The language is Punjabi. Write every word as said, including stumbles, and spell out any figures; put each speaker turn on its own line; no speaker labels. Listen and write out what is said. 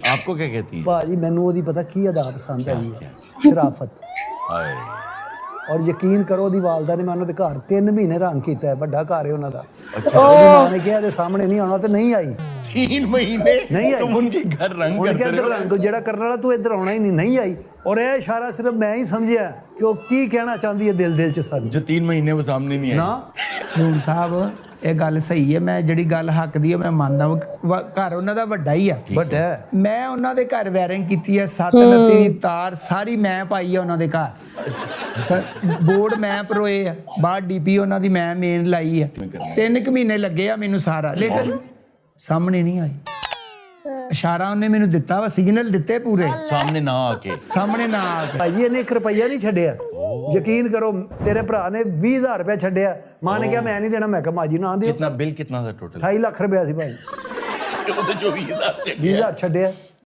आपको क्या कहती है?
ਭਾਜੀ ਮੈਨੂੰ ਉਹਦੀ ਪਤਾ ਕੀ ਅਦਾ ਪਸੰਦ ਆਈ ਹੈ, ਸ਼ਰਾਫਤ।
हाय
ਔਰ ਯਕੀਨ ਕਰੋ ਉਹਦੀ ਵਾਲਦਾ ਨੇ ਮੈਂ ਉਹਨਾਂ ਦੇ ਘਰ ਤਿੰਨ ਮਹੀਨੇ ਰੰਗ ਕੀਤਾ ਹੈ, ਵੱਡਾ ਘਰ ਹੈ ਉਹਨਾਂ ਦਾ। ਉਹਦੀ ਮਾਂ ਨੇ ਕਿਹਾ ਇਹਦੇ ਸਾਹਮਣੇ ਨਹੀਂ ਆਉਣਾ ਤੇ ਨਹੀਂ ਆਈ।
तीन महीने
नहीं आई।
तुम उनके घर रंग
ਉਹਨੇ
करते
ਕਿਹਾ
रहे हो?
ਰੰਗ ਜਿਹੜਾ ਕਰਨ ਵਾਲਾ ਤੂੰ ਇੱਧਰ ਆਉਣਾ ਹੀ ਨਹੀਂ, ਨਹੀਂ ਆਈ। ਔਰ ਇਹ ਇਸ਼ਾਰਾ ਸਿਰਫ ਮੈਂ ਹੀ ਸਮਝਿਆ ਕਿ ਉਹ ਕੀ ਕਹਿਣਾ ਚਾਹੁੰਦੀ ਹੈ ਦਿਲ ਦਿਲ ਚ ਸਾਨੂੰ।
जो तीन महीने वो सामने नहीं आई।
ਨਾ
ਹੂੰ ਸਾਹਿਬ ਇਹ ਗੱਲ ਸਹੀ ਹੈ, ਮੈਂ ਜਿਹੜੀ ਗੱਲ ਹੱਕ ਦੀ ਹੈ ਮੈਂ ਮੰਨਦਾ ਵਾਂ। ਘਰ ਉਹਨਾਂ ਦਾ ਵੱਡਾ ਹੀ ਆ,
ਵੱਡਾ ਹੈ।
ਮੈਂ ਉਹਨਾਂ ਦੇ ਘਰ ਵਾਇਰਿੰਗ ਕੀਤੀ ਹੈ, ਸੱਤ ਨੱਤੀ ਦੀ ਤਾਰ ਸਾਰੀ ਮੈਂ ਪਾਈ ਹੈ ਉਹਨਾਂ ਦੇ ਘਰ। ਸਰ ਬੋਰਡ ਮੈਂ ਪਰੋਏ ਆ, ਬਾਹਰ ਡੀਪੀ ਉਹਨਾਂ ਦੀ ਮੈਂ ਮੇਨ ਲਾਈ ਹੈ। ਤਿੰਨ ਕੁ ਮਹੀਨੇ ਲੱਗੇ ਆ ਮੈਨੂੰ ਸਾਰਾ, ਲੇਕਿਨ ਸਾਹਮਣੇ ਨਹੀਂ ਆਈ। ਇਸ਼ਾਰਾ ਉਹਨੇ ਮੈਨੂੰ ਦਿੱਤਾ ਵਾ, ਸਿਗਨਲ ਦਿੱਤੇ ਪੂਰੇ,
सामने ना आके।
ਸਾਹਮਣੇ ਨਾ ਆ ਕੇ।
ਭਾਜੀ ਇਹਨੇ ਇੱਕ ਰੁਪਈਆ ਨਹੀਂ ਛੱਡਿਆ। ਯਕੀਨ ਕਰੋ ਤੇਰੇ ਭਰਾ ਨੇ ਵੀਹ ਹਜ਼ਾਰ ਰੁਪਇਆ ਛੱਡਿਆ। ਮਾਂ ਨੇ ਕਿਹਾ ਮੈਂ ਨਹੀਂ ਦੇਣਾ, ਮੈਂ ਕਿਹਾ ਮਾਜੀ ਨਾ ਦਿਓ।
कितना बिल कितना था टोटल?
ਢਾਈ ਲੱਖ ਰੁਪਇਆ ਸੀ ਭਾਈ,
वो तो जो बीस हजार
ਵੀਹ ਹਜ਼ਾਰ ਛੱਡਿਆ।